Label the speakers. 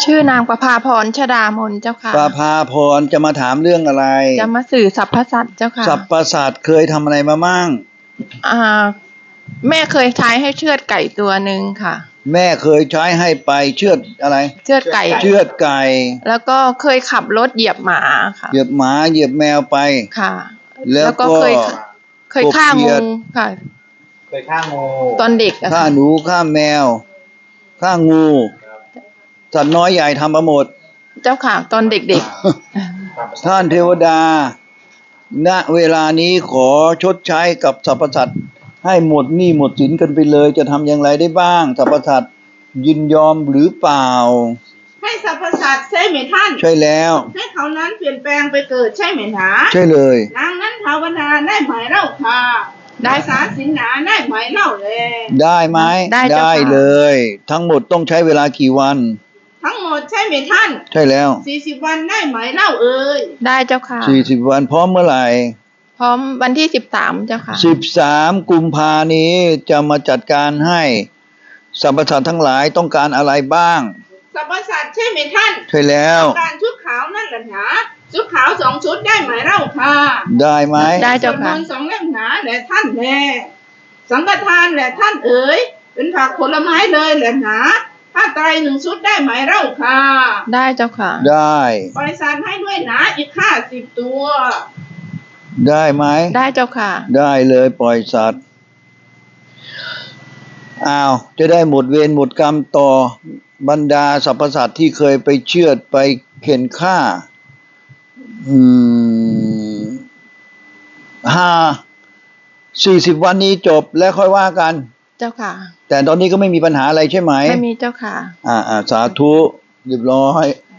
Speaker 1: ชื่อนางประภาพรชดามนเจ้าค่ะ
Speaker 2: ประภาพรจะมาถามเรื่องอะไร
Speaker 1: จะมาสื่อสรรพสัตว์เจ้าค่ะ
Speaker 2: สรรพสัตว์เคยทำอะไรมามั่ง
Speaker 1: แม่เคยใช้ให้เชือดไก่ตัวหนึ่งค่ะ
Speaker 2: แม่เคยใช้ให้ไปเชือดอะไร
Speaker 1: เชือดไก่
Speaker 2: เชือดไก่
Speaker 1: แล้วก็เคยขับรถเหยียบหมาค่ะ
Speaker 2: เหยียบหมาเหยียบแมวไป
Speaker 1: ค่ะ
Speaker 2: แล้วก็
Speaker 1: เคยฆ่างูค่ะ
Speaker 3: เคยฆ่างู
Speaker 1: ตอนเด็ก
Speaker 2: ฆ่าหนูฆ่าแมวฆ่างูสัตว์น้อยใหญ่ทำมาหมด
Speaker 1: เจ้าค่ะตอนเด็ก
Speaker 2: ๆท่านเทวดาณเวลานี้ขอชดใช้กับสรรพสัตว์ให้หมดหนี้หมดสินกันไปเลยจะทำอย่างไรได้บ้างสรรพสัตว์ยินยอมหรือเปล่า
Speaker 4: ให้สรรพสัตว์ใช่ไหมท่าน
Speaker 2: ใช่แล้ว
Speaker 4: ให้เขานั้นเปลี่ยนแปลงไปเกิดใช่ไหมหนา
Speaker 2: ใช่เลย
Speaker 4: นางนั้นภาวนาได้ไหมเล่าค่ะได้สาสินหนาได้ไหมเล่าเลย
Speaker 2: ได้ไหมได้เลยทั้งหมดต้องใช้เวลากี่วัน
Speaker 4: ทั้งหมดใช่ไหมท่าน
Speaker 2: ใช่แล้ว
Speaker 4: 40 วันได้ไหมเล่าเอ่ย
Speaker 1: ได้เจ้าค่ะ
Speaker 2: 40 วันพร้อมเมื่อไหร่
Speaker 1: พร้อมวันที่13เจ้าค่ะ
Speaker 2: 13 กุมภานี้จะมาจัดการให้สรรพสัตว์ทั้งหลายต้องการอะไรบ้าง
Speaker 4: สรรพสัตว์ใช่ไหมท่าน
Speaker 2: ใช่แล้ว
Speaker 4: ต้องการชุดขาวนั่นแหละหนาชุดขาว2 ชุดได้ไหมเล่าค่ะ
Speaker 2: ได้ไหม
Speaker 1: ได้เจ้าค่ะ
Speaker 4: 2 เล่มหนาแหละท่านแน่สังฆทานแหละท่านเอ๋ยเป็นผักผลไม้เลยแหละหนาผ้าไตร1 ชุดได้ไหมเล่าค่ะ
Speaker 1: ได้เจ้าค่ะ
Speaker 2: ได้
Speaker 4: ปล่อยสัตว์ให้ด้วยหนาอีก50 ตัว
Speaker 2: ได้ไหม
Speaker 1: ได้เจ้าค่ะ
Speaker 2: ได้เลยปล่อยสัตว์จะได้หมดเวรหมดกรรมต่อบรรดาสรรพสัตว์ที่เคยไปเชือดไปเข็นฆ่า40 วันนี้จบแล้วค่อยว่ากัน
Speaker 1: เจ้าค่ะ
Speaker 2: แต่ตอนนี้ก็ไม่มีปัญหาอะไรใช่ไหม
Speaker 1: ไม่มีเจ้าค่ะ
Speaker 2: สาธุเรียบร้อย